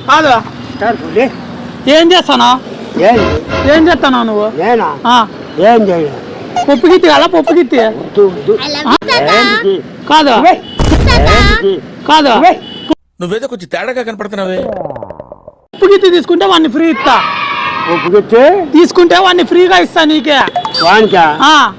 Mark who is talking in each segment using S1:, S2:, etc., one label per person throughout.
S1: కాదు ఏం చేస్తానా ఏం చేస్తానా నువ్వు
S2: ఏం చేయ
S1: పప్పు గిత్తి కదా పప్పు గిత్తి కాదు కాదు
S3: నువ్వేదో కొంచెం తేడాగా కనపడుతున్నావే.
S1: పప్పు గిత్తి తీసుకుంటే వాడిని ఫ్రీ ఇస్తా.
S2: పప్పు గిత్తి
S1: తీసుకుంటే వాడిని ఫ్రీగా ఇస్తా నీకే.
S2: వానికా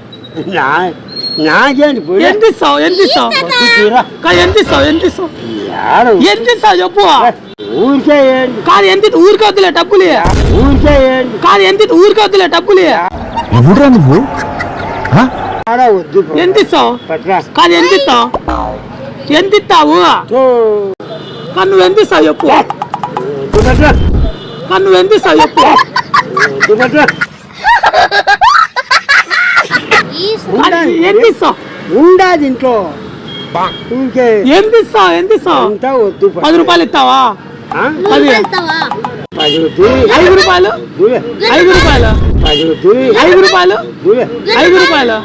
S2: నాకేంటి
S1: ఎంత ఇస్తావు ఎంత ఇస్తావు ఎంత ఇస్తావు ఎంత ఇస్తావు ఎంత ఇస్తావు చెప్పు.
S2: ఊరికే
S1: కాదు ఎంత ఊరికే వద్దులే డబ్బులు.
S2: ఊరికే
S1: కాదు ఎంత ఊరికే వద్దులే డబ్బులు.
S3: నువ్వు
S1: ఎంత ఇస్తావు కాదు ఎంత ఇస్తావు ఎంత ఇస్తావు కానీ నువ్వు ఎంత ఇస్తావు చెప్పు. కానీ నువ్వు ఎంత ఇస్తావు చెప్పు. ఎంత ఇస్తావు
S2: ఉండదు ఇంట్లో
S1: ఎంత ఇస్తావు ఎంత ఇస్తావు 10 రూపాయలు ఇస్తావా 5 రూపాయలు 5 రూపాయలు 5 రూపాయలు 5 రూపాయలు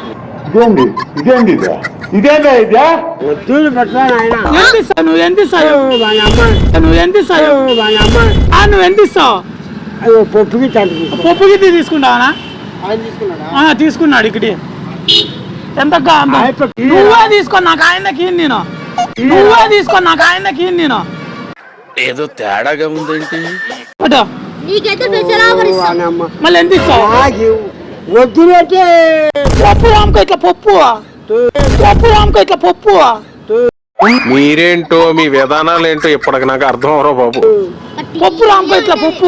S1: ఎంత ఇస్తావు నువ్వు ఎంత ఇస్తావు నువ్వు ఎంత ఇస్తావు నువ్వు ఎంత ఇస్తావు పప్పు గిద్ది తీసుకుంటావా తీసుకున్నాడు ఇక్కడ ఎంత నువ్వే తీసుకో నాకు ఆయనకి నేను నువ్వే తీసుకో నాకు ఆయనకి నేను
S3: ఏదో తేడాగా ఉందేంటి.
S1: మళ్ళీ ఎంత ఇస్తావు
S2: వద్దునట్టే
S1: పప్పు రామకు ఇట్లా పప్పు రామకు ఇట్లా పప్పు.
S3: మీరేంటో మీ విధానాలు ఏంటో ఇప్పటికి నాకు అర్థం అవరో బాబు.
S1: పప్పు రామకు ఇట్లా పప్పు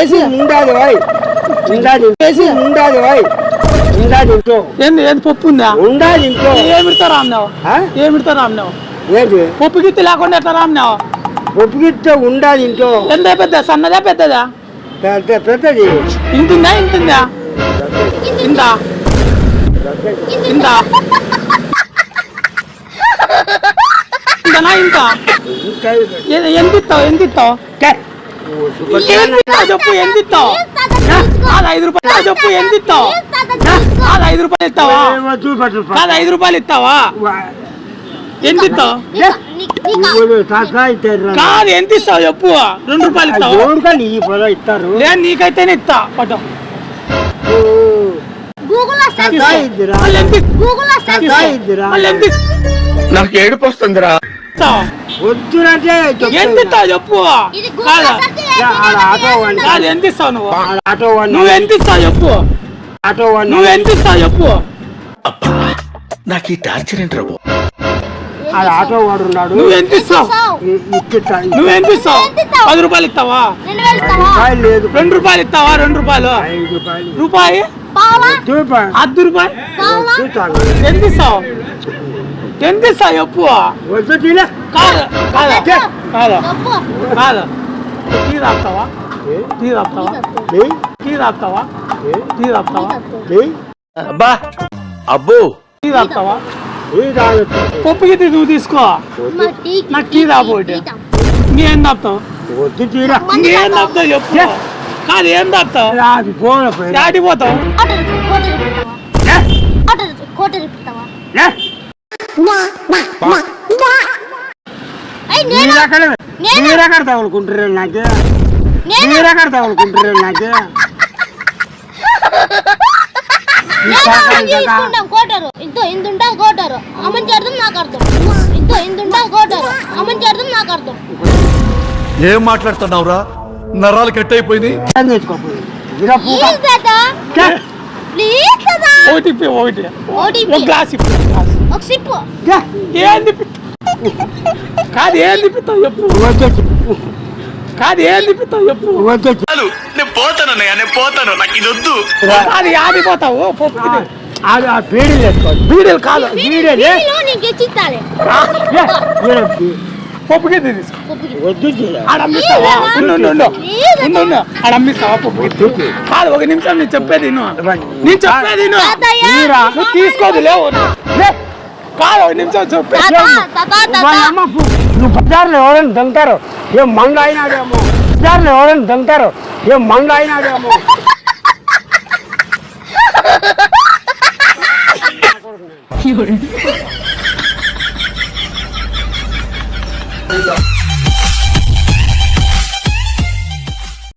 S1: ఏంది ఏంది పప్పు ఉందా ఏమిడతా రామ్నావు ఏమిడతా రామ్నావు పప్పు గిత్తి లేకుండా ఎట్లా రామ్నావు.
S2: పప్పు గిత్తే ఉండాలి ఇంట్లో.
S1: ఎంత పెద్ద సన్నదా పెద్దదా
S2: పెద్దది
S1: ఇంతుందా ఇంతుందా ఇందా ఇందా ఇంతనా ఇంత ఎంత ఇస్తావు ఎంత ఇస్తావు చెప్పు ఎంత ఇస్తావు 5 రూపాయలు చెప్పు ఎంత ఇస్తావు 5 రూపాయలు ఇస్తావా కాదు 5 రూపాయలు ఇస్తావా ఎంత ఇస్తావు కాదు ఎంత ఇస్తావు చెప్పు 2 రూపాయలు ఇస్తావు లేదు నీకైతేనే ఇస్తా పట్టు
S3: నాకు ఏడుపు వస్తుందిరా.
S2: వద్దునంటే
S1: ఎంత ఇస్తావు చెప్పు కాదు ఎంత ఇస్తావు నువ్వు ఎంత ఇస్తావు చెప్పు నువ్వు ఎంత ఇస్తావు చెప్పు.
S3: నాకు ఈ టార్చర్ ఏంటి రాబు.
S2: ఆటో వాడు ఉన్నాడు.
S1: నువ్వు ఎంత ఇస్తావు నువ్వు ఎంత ఇస్తావు 10 రూపాయలు ఇస్తావా
S2: లేదు
S1: 2 రూపాయలు ఇస్తావా 2 రూపాయలు రూపాయి 10 రూపాయలు ఎంత ఇస్తావు ఎంత ఇస్తావు చెప్పు. కాదు కాదు కాదు కాదు టీ రాస్తావా టీ రాస్తావా టీ రాస్తావా టీ రాస్తావా
S3: అబ్బా అబ్బో
S1: టీ రాస్తావా పప్పు గిద్ది నువ్వు తీసుకో నాకు టీ రాబోటి ఇంకేం తాపుతావు ఇంకేం తాపుతావు చెప్పు. కాదు ఏం తాపుతావు దాటిపోతావు
S2: మీరెక్కడ తగులుకుంటారు నాకే మీరెక్కడ తగులుకుంటారు నాకే
S4: కోటారు ఇంతో ఇంత ఉంటుంది కోటారు అమ్మని చేద్దాం నాకు అర్థం ఇంతో ఇంత ఉంటుంది కోటారు అమ్మని చేద్దాం నాకు అర్థం.
S5: ఏం మాట్లాడుతున్నావురా నరాలు కట్ అయిపోయింది.
S1: ఓటీపీ ఒకటి ఒక గ్లాస్
S4: ఒక సిప్పు
S1: ఏంది కాదు ఏం తిప్పుతావు చెప్పు కాదు ఏం తిప్పుతావు చెప్పు
S3: నేను పోతానన్నయ్య నేను పోతాను నాకు ఇది వద్దు.
S1: అది ఆడిపోతావు
S2: బీడీలు వేసుకోవాలి
S1: బీడీలు కాదు పప్పు గిద్ది ఆడమ్మిస్తావా ఆడమ్మిస్తావా పప్పు గిద్ది కాదు 1 నిమిషం నేను చెప్పేది నేను చెప్పేది నువ్వు తీసుకోదు లేవు కాదు 1 నిమిషం చెప్పేది.
S2: నువ్వు బజార్లో ఎవరైనా దంతారు ఏం మంగ అయినాడేమో బజార్లో ఎవరైనా దంతారు ఏం మంగ అయినాడేమో